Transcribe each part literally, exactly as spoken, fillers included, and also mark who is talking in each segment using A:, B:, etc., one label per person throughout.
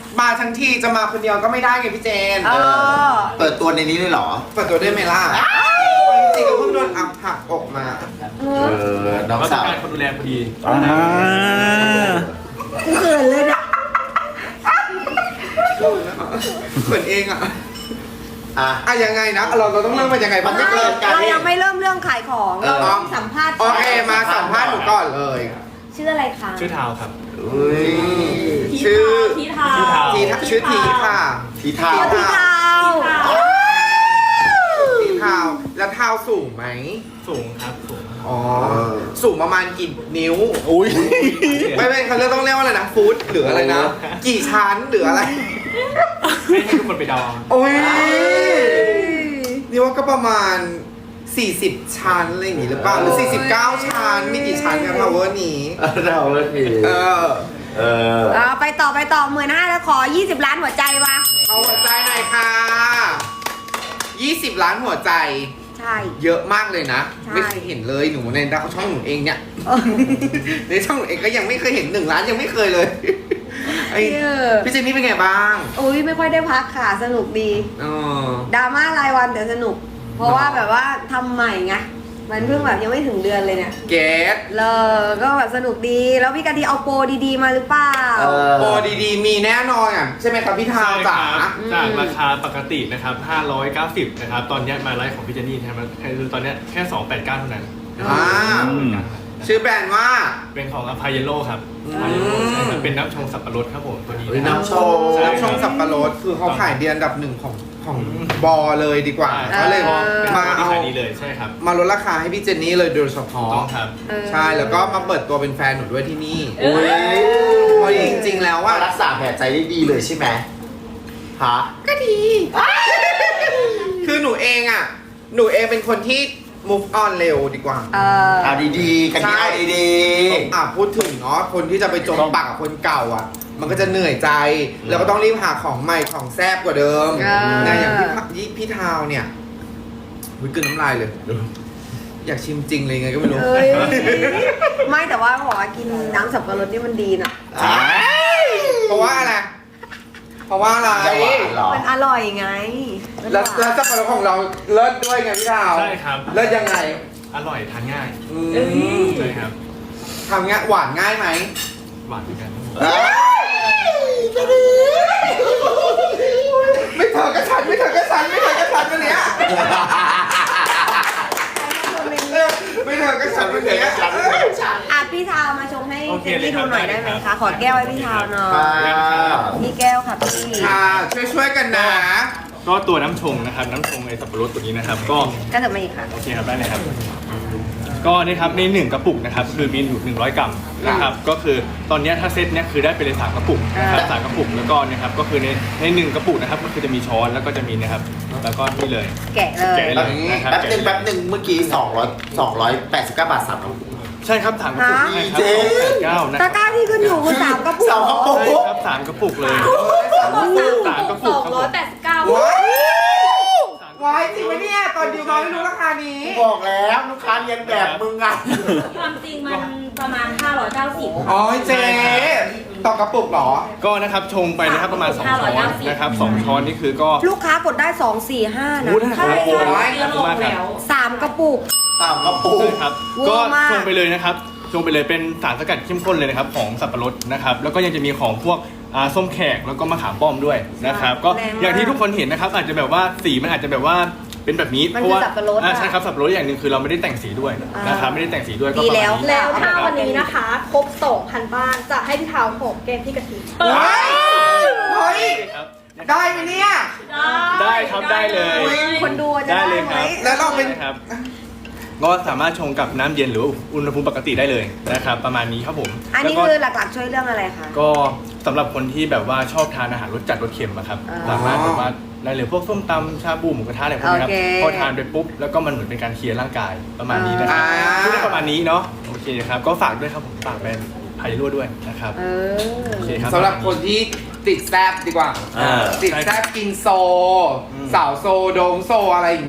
A: มาทั้งทีจะมาคนเดียวก็ไม่ได้ไงพี่เจน
B: เออ
C: เปิดตัวในนี้เลยเหรอ
A: เปิดตัวได้ไหมล่ะจริงๆก็เพิ่งโดนอัพหักอกมา
C: เออ น้อง
D: เราต้อ
C: สาง ว
D: การคนดูแลพอดี
C: อ่า
B: กูเขินเลยเนี่ย
A: เหมือนเองอ่ะ
C: อ่ะ
A: อ่ะยังไงนะเราเราต้องเริ่มมันยังไงบ้าง
C: ไม่เกินกัน
B: เรายังไม่เริ่มเรื่องขายของ
C: เอ
B: เรา
C: อ
B: ต้องสัมภาษณ์
A: โอเคมาสัมภาษณ์หนูก่อนเลย
B: ชื่ออะไรคะ
D: ชื่อทาวครับ
C: อุ้ย
A: ชื่อ
E: ทีเทา
D: ทีเทา
A: ทีชื่อทีค่ะ
C: ทีเท้า
B: พี่เทา
A: ทีเท้าแล้วเท้าสูงไหม
D: สูงครับสูง
A: อ๋อสูงประมาณกี่นิ้ว
C: อุ้ย
A: ไม่ไม่เขาเรียกต้องเรียกว่าอะไรนะฟุตหรืออะไรนะ กี่ชั้นหรืออะไร
D: ให้ให้ทุกคนไปเดาเอา
A: โอ้ยนี่ว่าก็ประมาณสี่สิบชั้นอะไรอย่างงี้หรือเปล่าหรือสี่สิบเก้าชั้นมีกี่ชั้นกันทาวเวอร์นี้
C: เราเลยพี่
A: เออ
C: เออ
B: เอาไปต่อไปต่อหมื่นห้าแล้วขอยี่สิบล้านหัวใจวะ
A: เอาหัวใจหน่อยค่ะยี่สิบล้านหัวใจ
B: ใช่
A: เยอะมากเลยนะ
B: ใช่
A: ไม่เคยเห็นเลยหนูในช่องหนูเองเนี่ย
B: เออ
A: ในช่องหนูเองก็ยังไม่เคยเห็นหนึ่งล้านยังไม่เคยเลยไอ้
B: เออ
A: พี่เจนนี่เป็นไงบ้าง
B: อุ้ยไม่ค่อยได้พักค่ะสนุกดี
A: อ๋อ
B: ดราม่ารายวันแต่สนุก เพราะว่าแบบว่าทำใหม่ไงมันเพิ่งแบบยังไม่ถึงเดือนเลยเนี่ย
A: เกต
B: เลยก็แบบสนุกดีแล้วพี่กะทิเอาโปรดีๆมาหรือเปล่า
C: เออ
A: โปรดีๆ มีแน่นอนอ่ะใช่ไหมครับพี่ทาว
D: ใช่
A: จ๋า
D: ครับจากราคาปกตินะครับห้าร้อยเก้าสิบนะครับตอนนี้มาไลฟ์ของพี่เจนนี่นะครับคือตอนนี้แค่สองร้อยแปดสิบเก้าเท่านั้น
A: อ่าชื่อแบรนด์ว่า
D: เป็นของอพายเยโลครับ
A: อืม
D: อพายเยโลใช่ครับเป็นน้ำชงสับปะรดครับผมตัวนี้
C: เฮ้ย
D: นะครับ
C: น้ำชง
D: ใช่
A: น้ำชงสับปะรดคือเขาขายเดียนอันดับหนึ่งของของบอเลยดีกว่า
D: ใช่
A: เขาเลย
D: เป็น
A: มา
D: ตัวที่
A: เอา
D: ขายดีเลยใช่ครับ
A: มาลดราคาให้พี่เจนนี่เลยโดยเฉพาะ
D: ต้องครับ
B: เออ
A: ใช่แล้วก็มาเปิดตัวเป็นแฟนหนูด้วยที่นี่
C: อุ้ย
A: เพราะจริงๆแล้วว่า
C: ว่ารักษาแผลใจได้ดีเลยใช่ไหมฮะ
A: ก็ดี คือหนูเองอ่ะ หนูเองเป็นคนที่ move on เร็วดีกว่า
B: เออ
C: เอาดีๆ กันที่เอาดี
A: อ่ะพูดถึงเนาะคนที่จะไปจมปากกับคนเก่าอ่ะ มันก็จะเหนื่อยใจ แล้วก็ต้องรีบหาของใหม่ของแซ่บกว่าเดิม
B: เออ
A: นะอย่างพี่พพี่พี่ทาวเนี่ยวิกลืนน้ำลายเลย อยากชิมจริงเลยไงก็ไม่รู้
B: เอ้ยไม่แต่ว่าบอกว่ากินน้ำสับปะรดนี่มันดีนะ
C: ๆอ้าย
A: เพราะว่าอะไร เพราะว่าอะไร
C: จะหวานเหรอ
B: มันอร่อยไง
A: แล้วแล้วสับปะรดของเราเลิศด้วยไงพี่ทาว
D: ใช่ครับ
A: เลิศยังไง
D: อร่อยทานง่าย
A: อืม
D: ใช่ครับ
A: ทำง่ายหวานง่ายไหม
D: หวานเหมือนกันครับผม
C: เอ้ย
A: ไม่เถอะก็ฉันไม่เถอะก็ฉันไม่เถอะก็ฉันวันเนี้ยไม่เถอะก็ฉันวันเนี้ย
B: อ่ะพี่ทาวมาชงให้
D: โอเค
B: เจนนี่ดูหน่อยได้ไหมคะ ขอแก้วให้พี่ทาวหน่อ
C: อ่
B: ย
C: า
B: นี่แก้วค่ะพี่
A: ค่ะช่วยช่วยๆกันนะ
D: ก็ตัวน้ำชงนะครับน้ำชงในสับปะรดตัวนี้นะครับ ก็
B: ก็จะมาอีกค่ะ
D: โอเคครับได้เลยครับ ก็นี่ครับในหนึ่งกระปุกนะครับคือมีอยู่หนึ่งร้อยกรัมนะครับก็คือตอนเนี้ยถ้าเซตเนี้ยคือได้ไปเลยสามกระปุกนะครับสามกระปุกแล้วก็เนะครับก็คือในในหนึ่งกระปุกนะครับก็คือจะมีช้อนแล้วก็จะมีนะครับแล้วก็นี่เลย
B: แกะเลย
D: แกะเลยนะครับ
C: แป๊บหนึ่งแป๊บหนึ่งเมื่อกี้สองร้อย สองร้อยแปดสิบเก้าบาทสามกระปุก
D: ใช่ครับสามกระปุก
B: ฮะ
D: ใช่ครับ
C: เจ๊
D: สองแปดเก้านะค
B: ตะ
D: รับ
B: กร้าที่ขึ้นอยู่คือสามกระปุก
C: สามกระปุก
D: ใช่ครับสามกระปุกเลย สามกระปุ
E: ส
D: ก
E: องร้อยแปดสิบเก้า
A: ว้ายว้ายจริงไหมเนี่ย ตอนดิวมาไม่รู้ราคานี้
C: บอกแล้วลูกค้าเรียนแบบมึงไง
E: ความจริงมันประมาณห้าร้อยเก้าสิบ
A: อ๋อเจ๊ต่อกระปุกเหรอ
D: ก็นะครับชงไปนะครับประมาณสองช้อนนะครับสองช้อนนี่คือก็
B: ลูกค้ากดได้สองสี่ห้านะ
D: โอ้ได้
E: ใช่
A: โอ้โห
E: ใช่เดือนลงแล้ว
B: สามกระปุก
C: สามกระปุก
D: ใช่ครับ
B: เวอร์
D: ก็
B: มาก
D: ชงไปเลยนะครับชงไปเลยเป็นสารสกัดเข้มข้นเลยนะครับของสับปะรดนะครับแล้วก็ยังจะมีของพวกอ่าส้มแขกแล้วก็มะขามป้อมด้วยนะครับก็
B: แรงมาก
D: อย่างที่ทุกคนเห็นนะครับอาจจะแบบว่าสีมันอาจจะแบบว่าเป็นแบบนี้
B: มัน
D: เพราะว่า
B: คือสับปะรด
D: อ่า
B: อะ
D: ใช่ครับสับปะรดอย่างหนึ่งคือเราไม่ได้แต่งสีด้วย
B: อ่าน
D: นะครับไม่ได้แต่งสีด้วยก็
B: ดี
D: ประ
B: แล้ว
D: มาณนี้
F: แล้วถ้าวันนี้นะคะ ครบ สองพัน บ้าน จะให้พี่เทาหอมแก้มพี่กะทิ
A: เฮ้ยเฮ้ย
D: ครับ
A: ได้ไหมเนี่ย
D: ได้ครับได้เลย
B: คนดูจะ
D: ได้
B: ได้
D: เลย
B: ไห
D: ค
B: ม
D: รับ
A: แล้วเราเป็น
D: ครับก็สามารถชงกับน้ำเย็นหรือว่าอุณหภูมิปกติได้เลยนะครับประมาณนี้ครับผม
B: อันนี้
D: แล้วก็
B: คือหลักๆช่วยเรื่องอะไรคะ
D: ก็สำหรับคนที่แบบว่าชอบทานอาหารรสจัดรสเค็มอะครับ
B: อ๋อ
D: สามารถแบบว่าได้เลยพวกส้มตำชาบูหมูกระทะอะไรพวกนี้ครับ
B: โอเค
D: พอทานไปปุ๊บแล้วก็มันเหมือนเป็นการเคลียร์ร่างกายประมาณนี้นะครับ
A: อ่า
D: พูดได้ประมาณนี้เนาะโอเคครับก็ฝากด้วยครับผมฝากแบรนด์ไพโรด้วยนะครับ
B: เออ
D: โอเคครับ
A: สำหรับคนที่ติดแซบดีกว่า
D: อ่า
A: ติดแซบกินโซ
D: อืม
A: สาวโซโดงโซอะไรอย่าง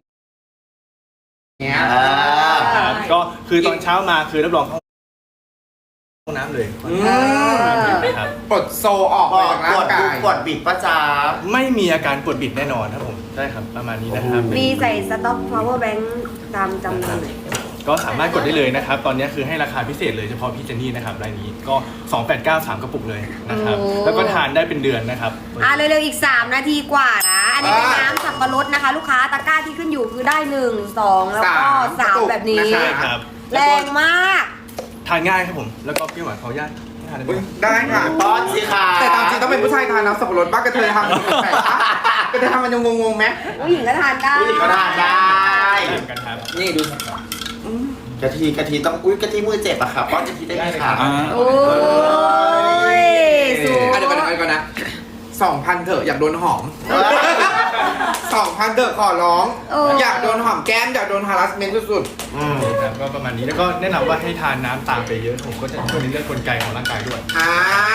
A: เงี้ย
C: อ่า
D: ครับก็คือตอนเช้ามาคือรับรองห้องน้ำเลย
A: อืม
D: นะครับ
A: ปลดโซออก
C: ป
A: ไป
C: วด
A: จาก
C: ป
A: ร่าว ง
C: ด
A: กา
C: ดู
A: ย
C: ปวดบิดป้าจ๋า
D: ไม่มีอาการปวดบิดแน่นอนครับผมใช่ครับประมาณนี้นะครับ
B: มีใส่สต็อก power bank ตามจำนวนไหน
D: ก็สามารถกดได้เลยนะครับ ตอนนี้คือให้ราคาพิเศษเลยเฉพาะพี่เจนนี่นะครับรายนี้ก็สองแปดเก้า สามกระปุกเลยนะครับ
B: โอ้
D: แล้วก็ทานได้เป็นเดือนนะครับ
B: อ่ะเร็วๆอีก สาม นาทีกว่านะ อันนี้เป็น
A: อ่า
B: น้ำสับปะรดนะคะ ลูกค้าตะกร้าที่ขึ้นอยู่คือได้หนึ่ง สอง แล้วก็
A: สาม
B: สามแบบนี้
A: กระปุก
D: ใช่
A: นะะ
D: ครับ
B: แรงมาก
D: ทานง่ายครับผมแล้วก็พี่หวานขออนุญาตทานได้ไหม
A: อุ๊ยได้ค่ะ
C: ป้อนสิค่ะ
A: แต่ตามจริงต้องเป็นผู้ชายทานน้ำสับปะรดบ้างกระเทยทำมันแปลกๆปะกระเทยทำมันยังงงๆไหม
B: ผู้หญิงก็ทานได้
C: ผู้หญิงก็ทานได้
D: ได้เหมือนกันครับ
A: นี่ดู
C: กะทิกะทิต้องอุ้ยกะทิมือเจ็บอะค่ะป้อนกะทิได้ไหมคะ
D: อ่า
B: โอ้ยสู
A: อ่ะเดี๋ยวก่อนเดี๋ยวก่อนนะสองพันเถอะอยากโดนหอมสองพันเถอะขอร้อง
B: เออ
A: อยากโดนหอมแก้มอยากโดน harassment สุด
C: อืม
D: ครับก็ประมาณนี้แล้วก็แนะนำว่าให้ทานน้ำตามไปเยอะผมก็จะช่วยในเรื่องกลไกของร่างกายด้วย
A: ๆอ่า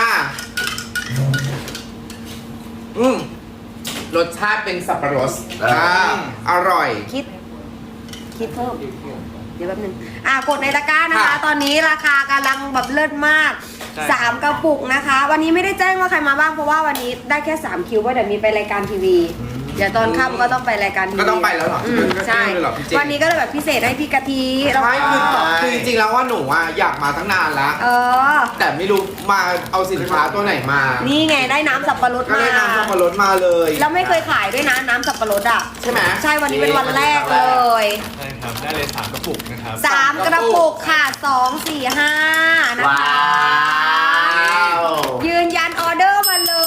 A: อืมรสชาติเป็นสับปะรดอ่าอร่อย
B: คิด คิดเพิ่ม เดี๋ยวแป๊บนึง อ่ะกดในตะกร้านะคะ
A: ค่ะ
B: ตอนนี้ราคากำลังแบบเลิศมาก
D: ใช่
B: สามกระปุกนะคะ วันนี้ไม่ได้แจ้งว่าใครมาบ้างเพราะว่าวันนี้ได้แค่สามคิวว่าเดี๋ยวมีไปรายการทีวี เดี๋ยวตอนค่ำก็ต้องไปรายการทีวี
A: ก็ต้องไปแล้วเหรอ
B: อืมใช่
A: ก็ต้องไปเลยเหรอพี่เจ
B: วันนี้ก็เลยแบบพิเศษให้พี่กะทิแล้ว
A: ใช่
B: ก็
A: คือคือจริงๆแล้วว่าหนูอ่ะอยากมาตั้งนานแล้ว
B: เออ
A: แต่ไม่รู้มาเอาสินค้าตัวไหนมา
B: นี่ไงได้น้ำสับปะรด
A: ก็
B: มา
A: ได้น้ำสับปะรดมาเลย
B: แล้วไม่เคยขายด้วยนะน้ำสับปะรดอ่ะ
A: ใช่ไหม
B: ใช่วันนี้เป็นวันแรกเลย
D: ใช่ครับได้เลยสามกระปุกนะครับ
B: สามกระปุกค่ะสองสี่ห้านะ
C: ว้า
B: คะ
C: ว
B: ยืนยันออเดอร์มาเลย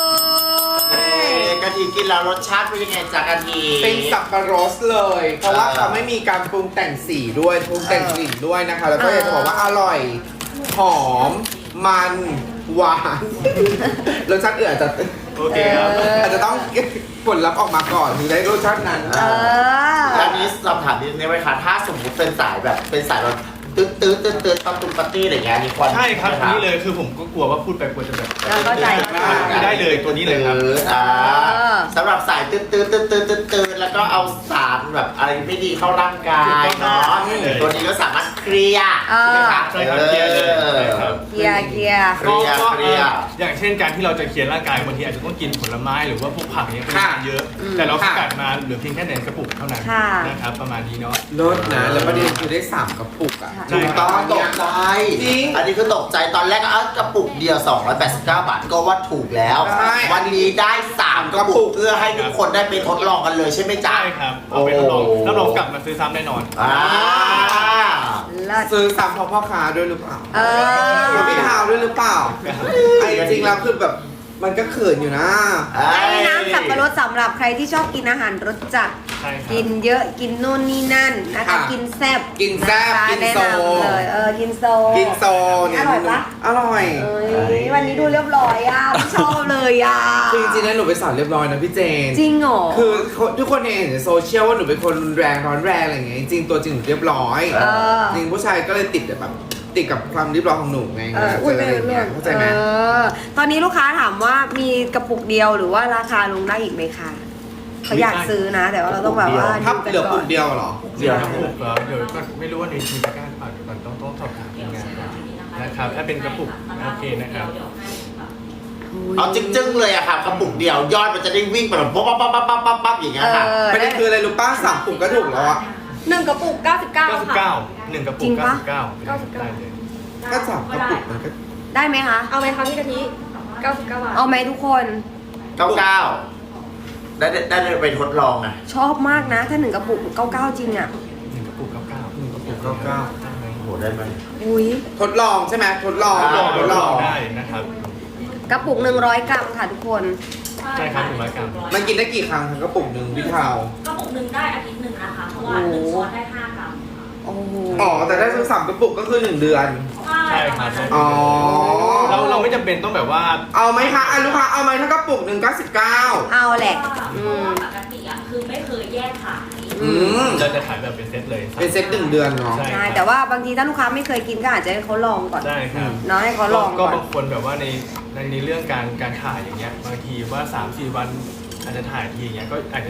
C: กะทิกินแล้วรสชาติเป็นยังไงจากกะทิ
A: เป็นสับปะรดเลย เพราะว่าเขาไม่มีการปรุงแต่งสีด้วยปรุงแต่งกลิ่นด้วยนะคะ แล้วก็อยากจะบอกว่าอร่อย หอม มัน หวาน รสชาติอื่นอาจจะ
D: โอเคครับ
B: เออ
A: อาจจะต้องผลลัพธ์ออกมาก่อนถึงได้รสชาตินั้น
B: เออ
C: อันนี้สอบถามนิดนึงไหมคะถ้าสมมติเป็นสายแบบเป็นสายแบบตื้อตื้อตื้อตื้อปั๊มตุ้มปาร์ตี้อะไรอย่างเงี้ยมีควร
D: ใช่ครับ
C: ไหม
D: อันนี้เลยคือผมก็กลัวว่าพูดไปกลัวจะแบบ
B: เราเข้าใจ
D: ไม่ได้เลยตัวนี้เลยครับ
C: อออ่า
B: เออ
C: สำหรับสายตื้อตื้อตื้อตื้อตื้อตื้อแล้วก็เอาสารแบบอะไรไม่ดีเข้าร่างกายเนาะ
D: ถูกต้องเลย
C: ตัวนี้ก็สามารถเคลียร์
B: เออ
C: ใช่ไหมคะ
D: ใช่ครับเคลียร์เลยใช่ครับ
B: เกียร์เกียร์
C: เคลียร์
D: ก็
C: เคลียร์
D: อย่างเช่นการที่เราจะเคลียร์ร่างกายบางทีอาจจะต้องกินผลไม้หรือว่าพวกผักเนี้ยปริ
A: ค่ะ
D: มาณเยอะ
B: อืม
D: แต่เราสกัดมาเหลือเพียงแค่ในกระปุกเท่านั้น
B: ค่ะ
D: นะครับประมาณนี้เนาะ
A: รสนะ แล้วประเด็นคือได้สามกระปุกอ่ะ
D: ใช่
C: ถูกต้องตกใจ
A: จริง
C: อันนี้คือตกใจตอนแรกก็เอากระปุกเดียว สองร้อยแปดสิบเก้า บาทก็ว่าถูกแล้ว
A: ใช่
C: วันนี้ได้สามกระปุกเพื่อให้ทุกคนได้ไปทดลองกันเลยใช่ไหมจ๊ะ
D: ใช่ครับเอาไปทดลอง
C: โอ้
D: รับรองกลับมาซื้อซ้ำแน่นอน
C: อ่า
B: เลิศ
A: ซื้อซ้ำเพราะพ่อค้าด้วยหรือเปล่า
B: เออ
A: เพราะพี่ทาวด้วยหรือเปล่าไอ้จริงๆแล้วคือแบบมันก็เขินอยู่นะ
B: ให้น้ำสับปะรดสำหรับใครที่ชอบกินอาหารรสจัด
D: ใช่ครับ
B: กินเยอะกินนู่นนี่นั่นนะคะ
A: ค่ะ
B: กินแซ่บ
A: กินแซ่บ
B: ะคะ
A: กิน
B: แนะ
A: โซ
B: นำเลยเออกินโซ
A: กินโซเนี่ย
B: อร่อยปะ
A: อร่อย
B: เอ้ยวันนี้ดูเรียบร้อยอ่ะไม่ชอบเลยอ่ะ
A: คือจริงๆแล้วหนูไปสอนเรียบร้อยนะพี่เจน
B: จริงเหรอ
A: คือทุกคนเห็นในโซเชียลว่าหนูเป็นคนรุนแรงร้อนแรงอะไรอย่างเงี้ยจริงๆตัวจริงหนูเรียบร้อย
B: เออ
A: จริงผู้ชายก็เลยติดแบบติดกับความเรียบร้อยของหนูไง
B: เออ
A: เจ
B: อุ้ย
A: อ
B: ไม่
A: อะไรอย่างเงี้ยเข้าใจไหม
B: เออตอนนี้ลูกค้าถามว่ามีกระปุกเดียวหรือว่าราคาลงได้อีกไหมคะเขาอยากซื้อนะ แต่ว่าเราต้องแบบว่า
A: ถ้า
B: ดูกัน
A: เหลือ
B: ก่
A: ปุ
B: อน
A: กเดียวเหรอ
D: เดี๋ยวกระปุกเหรอเดี๋ยวก็ไม่รู้ว่าในทีมตะกร้าหรือเปล่าเดี๋ยวก่อนต้องต้องสอบถามทีมงานก่อนนะครับถ้าเป็นกระปุกโอเคนะครับ
C: เอาจึ้งๆเลยอะค่ะกระปุกเดียวยอดมันจะได้วิ่งไปแบบป๊อปป๊อปป๊อปป๊อปป๊อปป๊อปอย่างเงี้ยค่ะ
B: เออ
A: ประเด็นคืออะไรรู้ป้าสามปุกก็ถูกแล้วอ่ะ
F: หนึ่งกระปุกเก้าสิบเก้าค่ะ
D: เก้าสิบเก้าหนึ่งกระปุ
B: จริ
D: ก
B: งปะ
D: เก้าสิบเก้า
F: เก้าสิบเก้า
D: ได้เลย
A: ก็สามกระปุกมันก็
B: ได้ไหมคะ
F: เอาไหมคะพี่กะทิเก้าสิบเก้าบาท
B: เอาไหมทุกคน
C: เก้าเก้าได้ได้ได้ไปทดลองอะ
B: ชอบมากนะ ถ้าหนึ่งกระปุกเก้าเก้าจริงอ่ะ
D: หนึ่งกระปุกเก้าเก้า
A: หนึ่งกระปุกเก้าเก้า
C: โอ้โหได้ไหม
B: อุ้ย
A: ทดลองใช่ไหมทดลอง
C: ทดลอง
A: ทดลอง
D: ได้นะครับ
B: กระปุกหนึ่งร้อยกรัมค่ะทุกคน
D: ใช่ครับหนึ่งร้อยกรัม
A: มันกินได้กี่ครั้งทั้งกระปุกหนึ่งพี่เทาก
E: ระปุกหนึ่งได้อาทิตย์หนึ่งนะคะ เพราะว่าหนึ่งช้อนได้ห้ากรัม
B: โอ้โห
A: อ๋อแต่ได้ทั้งสามกระปุกก็คือหนึ่งเดือน
D: ใช่ครับ
A: อ๋อ
D: เราเราไม่จำเป็นต้องแบบว่า
A: เอาไหมคะอ่ะลูกค้าเอาไหมถ้ากระปุกหนึ่งเก้าสิบเก้า
B: เอาแหละ
E: เพ
B: อื
E: ราะ
B: ม
E: ว่าปกติอ่ะคือไม่เคยแยกขาย
A: อืม
D: เราจะขายแบบเป็นเซตเลย
A: เป็นเซ็ตหนึ่งเดือนเนาะ
D: ใช่
B: ใช่แต่ว่าบางทีถ้าลูกค้าไม่เคยกินก็อาจจะให้เขาลองก่อน
D: ใช่ครับ
B: เนาะให้เขาลอง
D: ก็
B: ก่อน
D: บางคนแบบว่าในในในเรื่องการการถ่ายอย่างเงี้ยบางทีว่าสามสี่วันอาจจะถ่ายทีอย่างเงี้ยก็อาจจะเป็น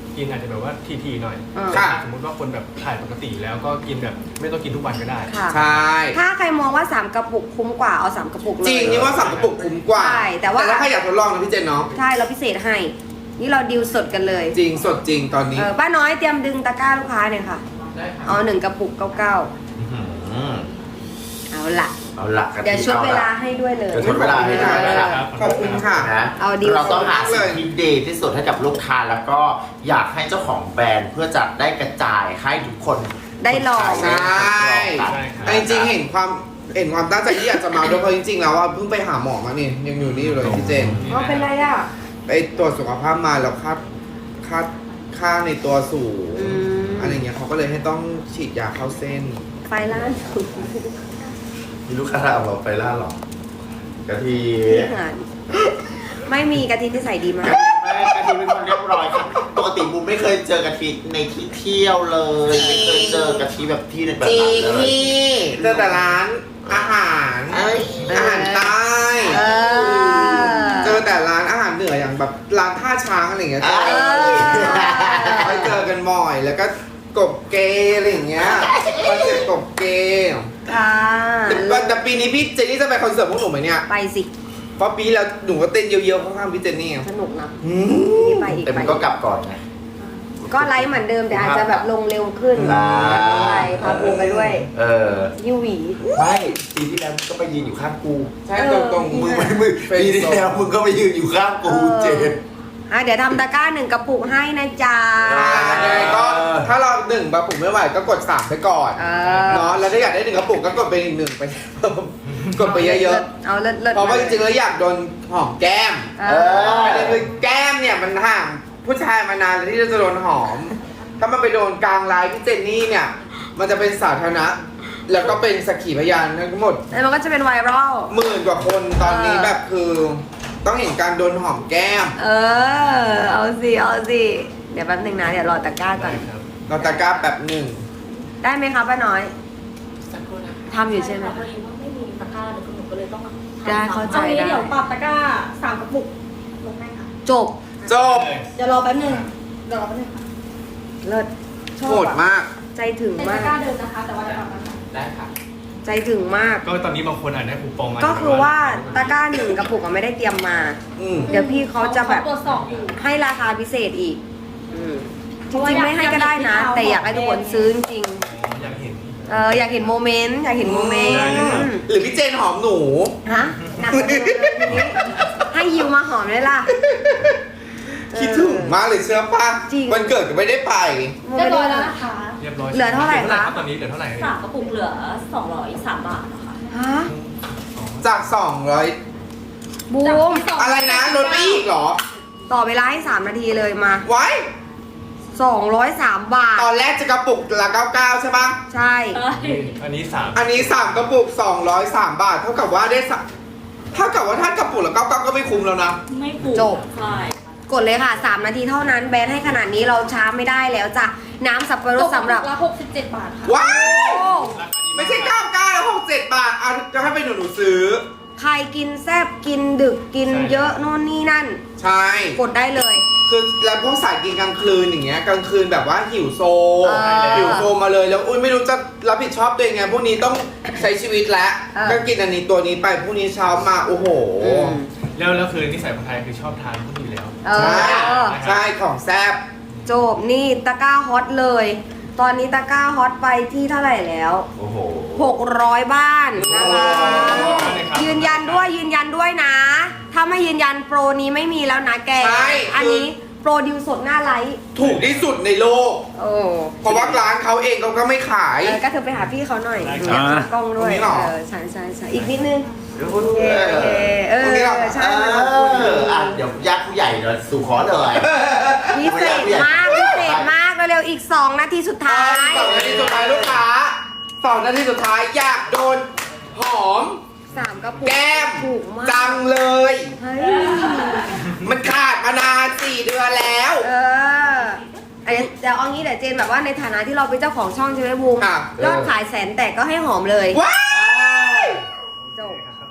D: กินอาจจะแบบว่าทีๆหน่อย
B: อ่า
A: ค่ะ
D: สมมติว่าคนแบบถ่ายปกติแล้วก็กินแบบไม่ต้องกินทุกวันก็ได้
B: ค่ะ
A: ใช่
B: ถ้าใครมองว่าสามกระปุกคุ้มกว่าเอาสามกระปุกเลย
A: จริงนี่ว่าสั่งกระปุกคุ้มกว่า
B: ใช่แต่ว่า
A: ถ้าใครอยากทดลองนะพี่เจนเนาะ
B: ใช่เราพิเศษให้ นี่เราดิวสดกันเลย
A: จริงสดจริงตอนนี้
B: เออป้าน้อยเตรียมดึงตะกร้าลูกค้าหน่อยค่ะ
D: ได้ครับ
B: เอาหนึ่งกระปุกเก้าเก้า
C: อืม
B: เอาละ
C: เอาหลักกัน
B: เดี๋ยวชุดเวลาให้ด้วยเลย
C: เดี๋ยวชุดเวลาให้ด้วยนะครับ
A: ขอบคุณค่ะ
C: นะ
B: เอาดีล
C: เราต้องหา
A: เล
C: สิ่ง
A: ย
C: ที่ดีที่สุดให้กับลูกค้าแล้วก็อยากให้เจ้าของแบรนด์เพื่อจะได้กระจายให้ทุกคน
B: ได้ลอง
A: ใช่
C: ได้
A: แต่จริงๆเห็นความเห็นความตั้งใจที่อยากจะมาด้วยเพราะจริงๆแล้วว่าเพิ่งไปหาหมอมานี่ยังอยู่นี่อยู่เลยพี่เจน
B: อ๋อเป็นไรอ่ะ
A: ไปตรวจสุขภาพมาแล้วค่าค่าค่าในตัวสูง
B: อืม
A: อะไรเงี้ยเขาก็เลยให้ต้องฉีดยาเข้าเส้น
B: ไฟล้านสุด
C: มีลูกค้าเอาเราไปล่าหรอกะทิ
B: ที่หานไม่มีกะทิที่ใส่ดีมาก
C: ไม่กะทิเป็นคนเรียบร้อยครับปกติบูมไม่เคยเจอกะทิในที่เที่ยวเลยไม่เคยเจอกะทิแบบที่ในแบบ
A: จริ
C: นั้น
A: ง
C: เลย
A: พี่เจอแต่ร้านอาหาร
C: เอ้ย
A: อาหารใต้
B: เออ
A: เจอแต่ร้านอาหารเหนืออย่างแบบร้านท่าช้างอะไรอย่างเงี้ยเจอ
B: เออ
A: ไปเจอกันบ่อยแล้วก็กบเกย์อะไรอย่างเงี้ยคอนเซ็ปต์กบเกย์
B: ค่ะ
A: แต่แต่ปีนี้พี่เจนนี่จะไปคอนเสิร์ตพวกหนูไหมเนี่ย
B: ไปสิ
A: เพราะปีแล้วหนูก็เต้นเยอะๆข้างๆพี่เจนนี่
B: สนุกนะ
A: อืม
B: นี่ไปอีก
C: แต่
B: ไป
C: มัน
B: อี
C: ก็
B: ก
C: กลับก่อนไง
B: ก็ไลฟ์เหมือนเดิมแต่อาจจะแบบลงเร็วขึ้น
C: อ่า
B: ไปพาปูไปด้วย
C: เออ
B: ยูหวี
C: ไม่ปีที่แล้วก็ไปยืนอยู่ข้างกู
A: ใช่ตรงตรง
C: มึงไม่มึงปีที่แล้วมึงก็ไปยืนอยู่ข้างกูเจน
B: อ่ะเดี๋ยวทำตะกร้าหนึ่งกระปุกให้นะจ๊ะ
A: อ่ายังไงก็ถ้าเราหนึ่งกระปุกไม่ไหวก็กดสามไปก่อน
B: เออ
A: เนาะแล้วถ้าอยากได้หนึ่งกระปุกก็กดไปอีกหนึ่งไป กดไปเยอะ
B: เอาเลิศเลิศ
A: ๆเพราะว่าจริงๆแล้วอยากโดนหอมแก้ม
B: เออ
A: ประเด็นคือแก้มเนี่ยมันห่างผู้ชายมานานแล้วที่จะโดนหอม ถ้ามันไปโดนกลางไลน์พี่เจนนี่เนี่ย มันจะเป็นสาธารณะ แล้วก็เป็นสักขีพยานทั้งหมด
B: แล้วมันก็จะเป็นไวรัล
A: หมื่นกว่าคนตอนนี้
B: เออ
A: แบบคือ ต้องเห็นการโดนหอมแก้ม
B: เออ เอาสิ เอาสิ เดี๋ยวแป๊บหนึงนะ เดี๋ยวรอตะกร้าก่อน
A: เราตะกร้าแบบหนึ่ง
B: ได้ไหมคะป้าน้อยทำอยู่ใช่ไหม
E: พอดีว่าไม่มีตะกร้าเลยคุณหนูก็เลยต้อง
B: ได้เข้าใจ
F: เอางี้
B: ได้
F: เดี๋ยวปรับตะกร้าสามกระปุกลงให้ค่ะ
B: จบ
A: จบ
F: เดี๋ยวรอแป๊บนึงเดี๋ยวรอแป๊บนึงค่ะ
B: เลิศชอบ
A: โหด
B: อะ
A: มาก
B: ใจถึง
F: เป็น
B: มา
F: ตะ
B: ก
F: กร้าเดิมนะคะ แต่ว่าจะปรับมา
C: ได้ค่ะ
B: ใจถึงมาก
D: ก็ตอนนี้บางคนอาจได้คูปองมา
B: ก็คือว่าตะกร้าหนึ่งกระปุกอะไม่ได้เตรียมมา
A: อืม
B: เดี๋ยวพี่เขาจะแบบ
F: ตรวจสอบอยู่
B: ให้ราคาพิเศษอีก อืมจริงๆไม่ให้ก็ได้นะ แต่อยากให้ทุกคนซื้อจริง
D: อยากเห็น
B: ๆเอออยากเห็นโมเมนต์ อยากเห็นโมเมนต์
D: ได้เลยครับ
A: หรือพี่เจนหอมหนู
B: ฮะหนักกว่าเดิมเลยทีนี้ให้ยิวมาหอมเลยล่ะ
A: คิดถึงมากเลยเชื่อป่ะ
B: จริง
A: วันเกิดก็ไม่ได้ไป
F: เรียบร้อยแล้วนะคะ
D: เรียบร้อย
B: เหลือเท่าไหร่คะ
D: ตอนนี้เหลือเท่าไหร่
E: สามกระปุกเหลือสองร้อยสามบาทนะคะ
B: ฮะ
A: จากสองร้อย
B: บูม
A: อะไรนะลดไปอีกเหรอ
B: ต่อเวลาให้สามนาทีเลยมา
A: ไว้
B: สองร้อยสามบาท
A: ตอนแรกจะกระปุกละเก้าเก้าใช่ปะ
B: ใช่
D: อันนี้สาม
A: อันนี้สามกระปุกสองร้อยสามบาท เท่ากับว่าได้สะเท่ากับว่าถ้ากระปุกละเก้าเก้าก็ไม่คุ้มแล้วนะ
E: ไม่ถูก
B: จบ
E: ใช่
B: กดเลยค่ะสามนาทีเท่านั้นแบนให้ขนาดนี้เราช้าไม่ได้แล้วจ้ะ น้ำสับปะรดสำหรับ
F: ละหกสิบเจ็ดบาทค่ะ
A: ว้า
B: โอ้
A: วไม่ใช่เก้าเก้าแล้วหกเจ็ดบาทอ่ะจะให้ไปหนูหนูซื้อ
B: ใครกินแซ่บกินดึกกินเยอะโน่นนี่นั่น
A: ใช่
B: กดได้เลย
A: คือแล้วพวกสายกินกลางคืนอย่างเงี้ยกลางคืนแบบว่าหิวโซ
B: เออ
A: หิวโซมาเลยแล้วอุ้ยไม่รู้จะรับผิดชอบตัวเองไงพวกนี้ต้องใช้ชีวิตแล้ว
B: เออ
A: ก็กินอันนี้ตัวนี้ไปพรุ่งนี้เช้ามาโอ้โห
B: อืม
D: แล้วแล้วคือนิสัยคนไทยคือชอบทานพวกนี้อยู่แล้ว
B: เอ
A: ใช่
B: อ
A: ใช่ของแซ่บ
B: จบนี่ตะกร้าฮอตเลย ตอนนี้ตะกร้าฮอตไปที่เท่าไหร่แล้ว
C: โอ้โห
B: หกร้อยบ้านนะคะ
D: โอ้โห
B: ยืนยันด้วยยืนยันด้วยนะ ถ้าไม่ยืนยันโปรนี้ไม่มีแล้วนะแก
A: ใช่
B: อันนี้โปรดิวสดหน้าไลฟ์
A: ถูกที่สุดในโลก
B: โอ้
A: เพราะว่าร้านเขาเองเขาก็ไม่ขาย
B: เออก็เธอไปหาพี่เขาหน่อย
D: ได้
B: อ
D: ครับ
B: ยากกล้องด้วย
A: ตรงนี้เหรอ
B: เออใช่ใช่ใช่อีกนิดนึง
C: เดี๋ยวคุณ
B: โอเคโอเคเออ
A: ตรงนี้เหรอ
B: ใช่
C: เอ
B: มันขอบคุณ
C: ออ่ะเดี๋ยวญาติผู้ใหญ่เดี๋ยวสู่ขอเลย
B: พิเศษมากพิเศษมากเร็วๆอีกสองนาทีสุดท้าย
A: สองนาทีสุดท้ายลูกค้าสองนาทีสุดท้ายอยากโดนหอม
B: สามกระปุก
A: แก้ม
B: ถูกมาก
A: จังเลย
B: เฮ้ย
A: มันขาดมานานสี่เดือนแล้ว
B: เออเดี๋ยวเดี๋ยวเอางี้เดี๋ยวเจนแบบว่าในฐานะที่เราเป็นเจ้าของช่องใช่ไหมบูม
A: ค่ะ
B: ยอดขายแสนแตกก็ให้หอมเลย
A: ว้าย
B: จบ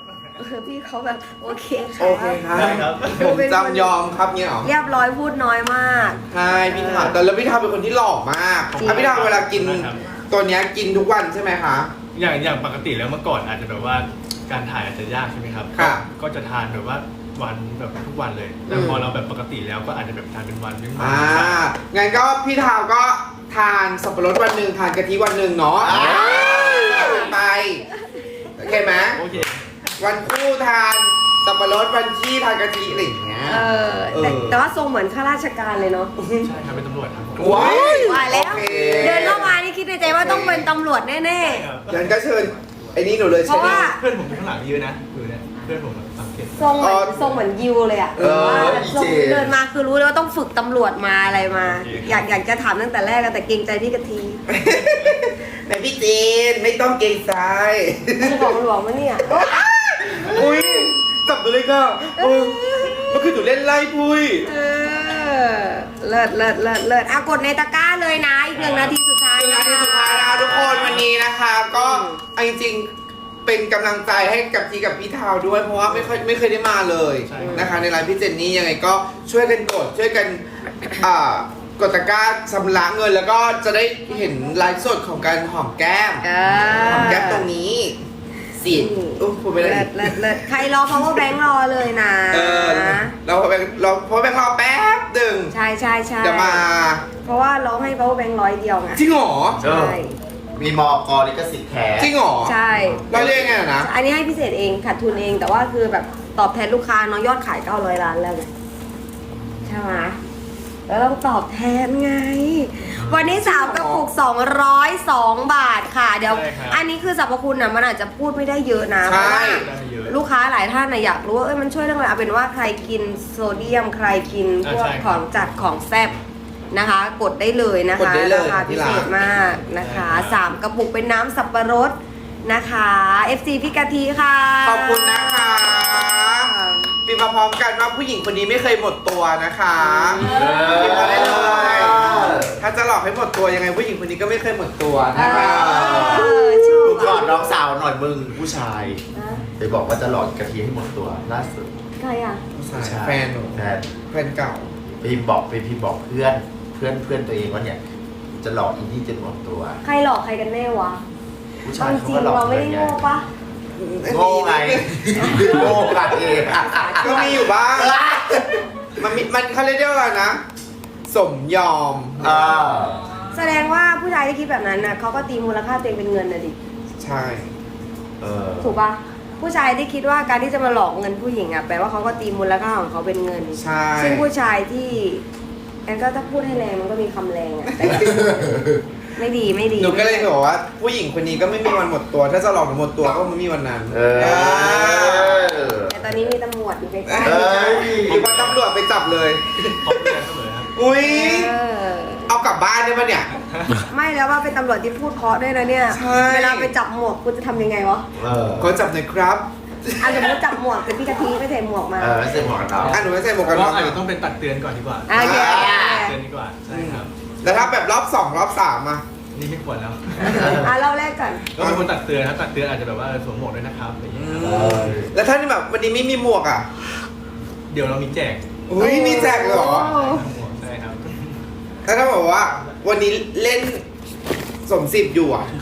B: คือพี่เขาแบบโอเค
A: โอเคครับ
D: ได้ครับ
A: ผมจำยอมครับเนี่ยเหรอ
B: เรียบร้อยพูดน้อยมาก
A: ใช่พี่ทาแต่แล้วพี่ทาเป็นคนที่หล่อมาก
B: จริง
A: อ่ะพี่ทาเวลากิน
D: ครับ
A: ตัวเนี้ยกินทุกวันใช่ไหมคะ
D: อย่างอย่างปกติแล้วเมื่อก่อนอาจจะแบบว่าการถ่ายอาจจะยากใช่ไหมครับ
A: ค่ะ
D: ก็จะทานแบบว่าวันแบบทุกวันเลย แต่พอเราแบบปกติแล้วก็อาจจะแบบทานเป็นวันเป็นวัน
A: อ่างั้นก็พี่ทาวก็ทานสับปะรดวันหนึ่งทานกะทิวันหนึ่งเนาะไปโอเคไหม
D: โอเค
A: วันคู่ทานสับปะรดวันขี้ทานกะทิอะไรอย่างเงี้ย
B: เออแต่
A: เออ
B: แต่ว่าทรงเหมือนข้าราชการเลยเนาะ
D: ใช่ครับเป็นตำรวจครับผม
A: ว้าย
B: ว่าแล้ว
A: โอเค
B: เดินเข้ามานี่คิดในใจว่าต้องเป็นตำรวจแน่
D: ใช่ครับ
A: งั้นก็เชิญไอ้นี่หนูเลย
B: เพ
A: ใช่
B: ราะ
A: ไหม
B: ว่า
D: เพื่อนผมอยู่ข้างหลังเยอะนะคือเนี่ยเพื่อนผมสังเกต
B: ๆทรงเหมือนทรงเหมือนยิวเลยอะ
A: เออ
B: ว่า
C: อี
B: ทรง
C: เจ
B: เดินมาคือรู้เลยว่าต้องฝึกตำรวจมาอะไรมา อยากอยากจะถามตั้งแต่แรกอะแต่เกรงใจพี่กะทิ
A: แม่พี่จีนไม่ต้องเกรงใจ
B: มึงบอกมันบอกว่าเนี่ย
A: อุ้ยจับตัวเลยก็เออเมื่อคืนหนูเล่นไล่ปุ้ย
B: เออเลิศเลิศเลิศเลิศอ่ะกดในตะกร้าเลยนะ อีกหนึ่งนาทีสุดท้าย
A: เป็นนาทีสุดท้ายนะคะทุกคนวันนี้นะคะ ก็เอาจริงๆเป็นกำลังใจให้กับทีกับพี่ทาวด้วย เพราะว่าไม่ค่อยไม่เคยได้มาเลย
D: ใช่
A: นะคะ ในไลน์พี่เจนนี่ยังไงก็ช่วยกันกดช่วยกันอ่ากดตะกร้าชำระเงิน แล้วก็จะได้เห็นไลฟ์สดของการหอมแก้ม
B: เอ
A: หอม
B: อ
A: แก้มตรงนี้สิอุ๊ยพูดไปเลย
B: เลิศเลิศเลิศใครรอ power bank รอเลยนะ
A: เออเราพอแบงเราพอแบงรอแป๊บหนึ่ง
B: ใช่ใช่ใช่
A: เดี๋ยวมา
B: เพราะว่าร้องให้ power bank ร้อยเดียวไง
A: จริงเหรอ
C: เออ
B: ใช่
C: มีมอกลิขสิทธิ์แท้
A: จริงเหรอ
B: ใช่
A: เราเรียกไงอะนะ
B: อันนี้ให้พิเศษเองขาดทุนเองแต่ว่าคือแบบตอบแทนลูกค้าเนาะยอดขายเก้าร้อยล้านแล้วไงใช่ไหมแล้วต้องตอบแทนไง วันนี้สามกระปุกสองร้อยสองบาทค่ะ เดี๋ยว
D: ใช่ครับ
B: อันนี้คือสรรพคุณนะมันอาจจะพูดไม่ได้เยอะนะเพ
A: ใช่
B: ราะว่า
D: ได้เยอะ
B: ลูกค้าหลายท่านนะอยากรู้ว่าเอ้ยมันช่วยเรื่องอะไรเอาเป็นว่าใครกินโซเดียมใครกินพวก
D: อ่าใช่
B: ข
D: ครั
B: อบ งจัดของแซ่บนะคะ กดได้เลยนะ
A: กด
B: คะ
A: ได้เลย
B: ราคาพิเศษมากนะคะ
D: ใช่ครับ
B: สามกระปุกเป็นน้ำสับปะรดนะคะ เอฟ ซี พี่กะทิค่ะ
A: ขอบคุณนะคะพิมพ์มาพร้อมกันว่าผู้หญิงคนนี้ไม่เคยหมดตัวนะคะพิมพ์มาได้เลย ถ้าจะหลอกให้หมดตัวยังไงผู้หญิงคนนี้ก็ไม่เคยหมดตัวนะคะ
B: เออชอบ
C: มึงก่อนน้องสาวหน่อยมึงผู้ชาย
B: นะ
C: ไปบอกว่าจะหลอกกะทิให้หมดตัวล่าสุด
B: ใครอ่ะ
C: ผู้ชาย
A: แฟนหนู
C: แฟน
A: แฟนเก่า
C: ไปบอกไปพี่บอกเพื่อนเพื่อนเพื่อนตัวเองว่าเนี่ย จะหลอกอีนี่จนหมดตัว
B: ใครหลอกใครกันแน่วะ
C: ผู้
B: เอา
C: ชาย
B: จ
C: เขา
B: ริง
C: ก็หลอก
B: เราไม่ได้โง่ปะ
C: โง่ไงโง่กันเอง
A: ก็มีอยู่บ้าง มันมีมันเขาเรียกว่าอะไรนะ สมยอม
C: อ่า
B: แสดงว่าผู้ชายที่คิดแบบนั้นนะเขาก็ตีมูลค่าตัวเองเป็นเงินนะดิ
A: ใช่
C: เออ
B: ถูกปะผู้ชายที่คิดว่าการที่จะมาหลอกเงินผู้หญิงอะแปลว่าเขาก็ตีมูลค่าของเขาเป็นเงิน
A: ใช่
B: ซึ่งผู้ชายที่แอนก็ถ้าพูดให้แรงมันก็มีคำแรงอะแต่แบบไม่ดีไม่ดี
A: หนูก็เลยบอกว่า ผู้หญิงคนนี้ก็ไม่มีวันหมดตัว ถ้าจะหลอกหนูหมดตัวก็ไม่มีวันนั้น
C: เออ
B: แต่ตอนนี้มีตำรวจอยู่ใกล้
A: เอ
C: เอ้ย
A: หรือว่าตำรวจไปจับเลย
D: ขอบคุณเสมอครับ
A: อุ้ย
B: ๆเออ
A: เอากลับบ้านได้ปะเนี่ย
B: ไม่แล้วว่าเป็นตำรวจที่พูดเพราะด้วยนะเนี่ย
A: ใช่
B: เวลาไปจับหมวกคุณจะทำยังไงวะ
C: เออ
A: ขอจับหน่อยครับ
B: อ่ะสมมติจับหมวกเป็นพี่กะทิไม่ใส่หมวกมา
C: เออไม่ใช่หมวกกันน็อก
A: อ่ะหนูไม่ใส่หมวกกันน็
D: ก็
A: อก
D: อาจจะ
A: อะ
D: ต้องเป็นตักเตือนก่อนดีกว่า
B: โอเค
D: เตือนดีกว่าใช่ครับ
A: แล้วถ้าแบบรอบสองรอบสามอะ
D: นี่ไม่ควรแล้ว
B: อ่ะเราแรกก่อน
D: ก็เป็นคนตักเตือนครับตักเตือนอาจจะแบบว่าเออสวมหมวกด้วยนะครับอะไรอย่างเงี้ยครับ
C: เออ
A: แล้วถ้าแบบวันนี้ไม่มีหมวกอะ
D: เดี๋ยวเรามีแจก
A: อุ้ยมีแจกเลยเหรอ
D: หมวกใช่ครับ
A: แล้วถ้าบอกว่า วันนี้เล่นสมสิบอยู่อะ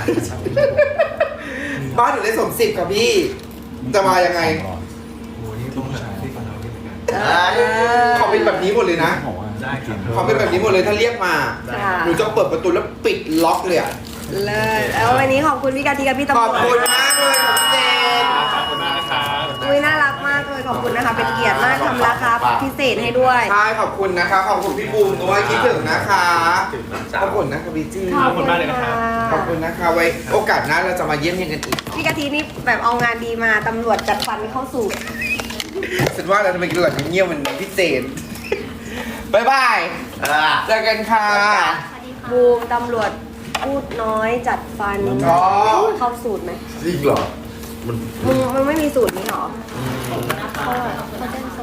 A: บ้านหนูเล่นสมสิบกับพี่ จะมายังไง
D: โอ้โหนี่ต้องหาที่ฟังเราด้วยเหมือนกัน
B: เออ
A: ขอเป็นแบบนี้หมดเลยนะ
D: ได้ครับ
A: ขอเป็นแบบนี้หมดเลยถ้าเรียกมา
B: ค่ะ
A: หนูจะเปิดประตูแล้วปิดล็อกเลยอะ
B: เลยแล้ววันนี้ขอบคุณพี่กะทิกับพี่ตำร
A: ข
B: ว
A: อ
B: จ
A: บคุณมากเลยของเจน
D: ขอบคุณมากนะครับ
B: อุ้ยน่ารักมากเลยขอบคุณนะคะ เป็นเกียรติมากทำราคาพิเศษให้ด้วย
A: ใช่ขอบคุณนะคะ ขอบคุณพี่บูมด้วยคิดถึงนะคะ
C: ถึงน้องสา
A: ข
C: ว
A: อบคุณนะคะพี่จี้
D: ขอบคุณมากเลยนะครับ
A: ขอบคุณนะคะไว้โอกาสหน้าเราจะมาเยี่ยมเยียนกันอีก
B: พี่กะทินี่แบบเอางานดีมาตำรวจจัดฟันเข้าสู่
A: ฉันว่าเราจะไปกินหลังเงียบๆมันพี่เจนบ๊ายบาย
C: อ่า
A: เจอกันค่ะ
B: บูมตำรวจพูดน้อยจัดฟัน
A: อ๋อ
B: เข้าสูตรไหม
C: จริงเหรอ มัน
B: มึงมึงไม่มีสูตรนี้หรอเขาเขาแจ้งส